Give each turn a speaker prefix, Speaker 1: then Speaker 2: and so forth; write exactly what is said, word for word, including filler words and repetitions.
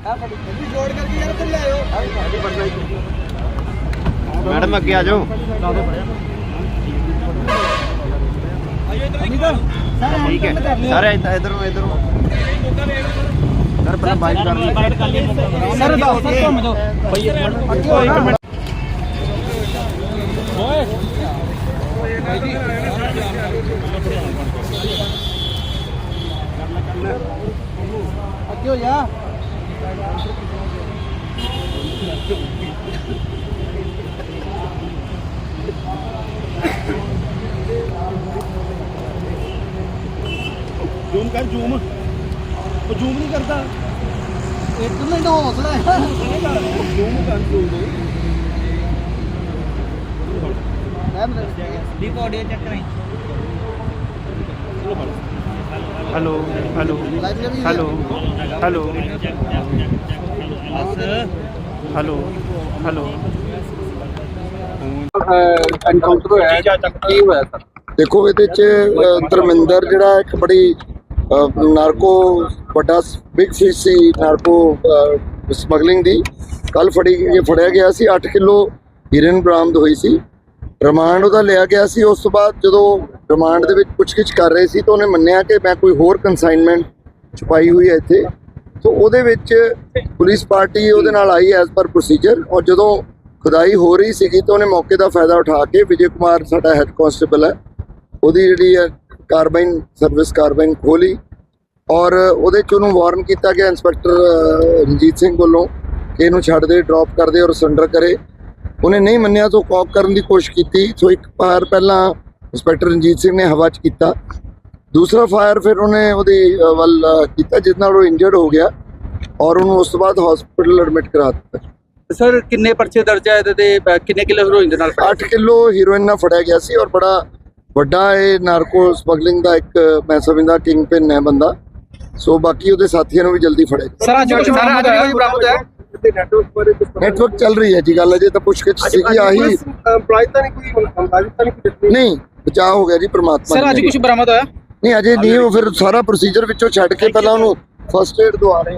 Speaker 1: Madam अगे आ जाओ। ठीक है सारे इधर इधर सर पहले बाइक कर सर क्यों यार
Speaker 2: जूम कर जूम वो जूम नहीं करता
Speaker 1: एक मिनट हौसला है
Speaker 2: जूम कर जूम
Speaker 1: डीप ऑडियो चेक करें। Hello hello hello hello hello hello
Speaker 3: encounter होया की होया सर? देखो ਇਹਦੇ ਚ ਧਰਮਿੰਦਰ ਜਿਹੜਾ ਇੱਕ ਬੜੀ ਨਾਰਕੋ ਵੱਡਾ ਬਿਗ ਫਿਸ਼ ਸੀ ਨਾਰਕੋ ਸਮਗਲਿੰਗ ਦੀ ਕੱਲ ਫੜੀ ਇਹ ਫੜਿਆ ਗਿਆ ਸੀ। ਅੱਠ ਕਿਲੋ ਹੀਰੋਇਨ ਬਰਾਮਦ ਹੋਈ ਸੀ। ਰਿਮਾਂਡ ਉਹਦਾ ਲਿਆ ਗਿਆ ਸੀ। ਉਸ ਤੋਂ ਬਾਅਦ ਜਦੋਂ ਰਿਮਾਂਡ ਦੇ ਵਿੱਚ ਪੁੱਛਗਿੱਛ ਕਰ ਰਹੇ ਸੀ ਤਾਂ ਉਹਨੇ ਮੰਨਿਆ ਕਿ ਮੈਂ ਕੋਈ ਹੋਰ ਕੰਸਾਈਨਮੈਂਟ ਛੁਪਾਈ ਹੋਈ ਹੈ ਇੱਥੇ। ਸੋ ਉਹਦੇ ਵਿੱਚ ਪੁਲਿਸ ਪਾਰਟੀ ਉਹਦੇ ਨਾਲ ਆਈ ਐਜ਼ ਪਰ ਪ੍ਰੋਸੀਜਰ ਔਰ ਜਦੋਂ ਖੁਦਾਈ ਹੋ ਰਹੀ ਸੀਗੀ ਤਾਂ ਉਹਨੇ ਮੌਕੇ ਦਾ ਫਾਇਦਾ ਉਠਾ ਕੇ ਵਿਜੇ ਕੁਮਾਰ ਸਾਡਾ ਹੈੱਡ ਕਾਂਸਟੇਬਲ ਹੈ ਉਹਦੀ ਜਿਹੜੀ ਹੈ ਕਾਰਬਾਈਨ ਸਰਵਿਸ ਕਾਰਬਾਈਨ ਖੋਲੀ ਔਰ ਉਹਦੇ 'ਚ ਉਹਨੂੰ ਵਾਰਨ ਕੀਤਾ ਗਿਆ ਇੰਸਪੈਕਟਰ ਰਣਜੀਤ ਸਿੰਘ ਵੱਲੋਂ ਕਿ ਇਹਨੂੰ ਛੱਡ ਦੇ ਡ੍ਰੌਪ ਕਰ ਦੇ ਔਰ ਸਰੈਂਡਰ ਕਰੇ। ਉਹਨੇ ਨਹੀਂ ਮੰਨਿਆ ਤਾਂ ਕੌਪ ਕਰਨ ਦੀ ਕੋਸ਼ਿਸ਼ ਕੀਤੀ। ਸੋ ਇੱਕ ਫਾਇਰ ਪਹਿਲਾਂ ਇੰਸਪੈਕਟਰ ਰਣਜੀਤ ਸਿੰਘ ਨੇ ਹਵਾ 'ਚ ਕੀਤਾ, ਦੂਸਰਾ ਫਾਇਰ ਫਿਰ ਉਹਨੇ ਉਹਦੀ ਵੱਲ ਕੀਤਾ ਜਿਸ ਨਾਲ ਉਹ ਇੰਜਰਡ ਹੋ ਗਿਆ ਔਰ ਉਹਨੂੰ ਉਸ ਤੋਂ ਬਾਅਦ ਹਸਪੀਟਲ ਐਡਮਿਟ ਕਰਾ ਦਿੱਤਾ।
Speaker 2: ਸਰ ਕਿੰਨੇ ਪਰਚੇ ਦਰਜ ਹੈ ਤੇ ਕਿੰਨੇ ਕਿਲੋ ਹੀਰੋਇਨ ਦੇ ਨਾਲ?
Speaker 3: ਅੱਠ ਕਿਲੋ ਹੀਰੋਇਨ ਨਾਲ ਫੜਿਆ ਗਿਆ ਸੀ ਔਰ ਬੜਾ ਵੱਡਾ ਇਹ ਨਾਰਕੋ ਸਮਗਲਿੰਗ ਦਾ ਇੱਕ ਮੈਂ ਸਮਝਦਾ ਕਿੰਗ ਪਿਨ ਹੈ ਬੰਦਾ। ਸੋ ਬਾਕੀ ਉਹਦੇ ਸਾਥੀਆਂ ਨੂੰ ਵੀ ਜਲਦੀ ਫੜੇਗਾ।
Speaker 2: ਸਰ ਅੱਜ ਕੁਝ ਬਰਾਮਦ ਹੋਇਆ?
Speaker 3: ਨੈਟਵਰਕ ਚੱਲ ਰਹੀ ਹੈ ਜੀ ਗੱਲ, ਅਜੇ ਤਾਂ ਪੁੱਛਗਿੱਛ ਸੀਗੀ ਆਹੀ ਨਹੀਂ ਬਚਾਅ ਹੋ ਗਿਆ ਜੀ ਪ੍ਰਮਾਤਮਾ।
Speaker 2: ਸਰ ਅੱਜ ਕੁਝ ਬਰਾਮਦ ਹੋਇਆ?
Speaker 3: ਨਹੀਂ ਅਜੇ ਨਹੀਂ, ਉਹ ਫਿਰ ਸਾਰਾ ਪ੍ਰੋਸੀਜਰ ਵਿੱਚੋਂ ਛੱਡ ਕੇ ਪਹਿਲਾਂ ਉਹਨੂੰ ਫਸਟ ਏਡ ਦਵਾ ਰਹੇ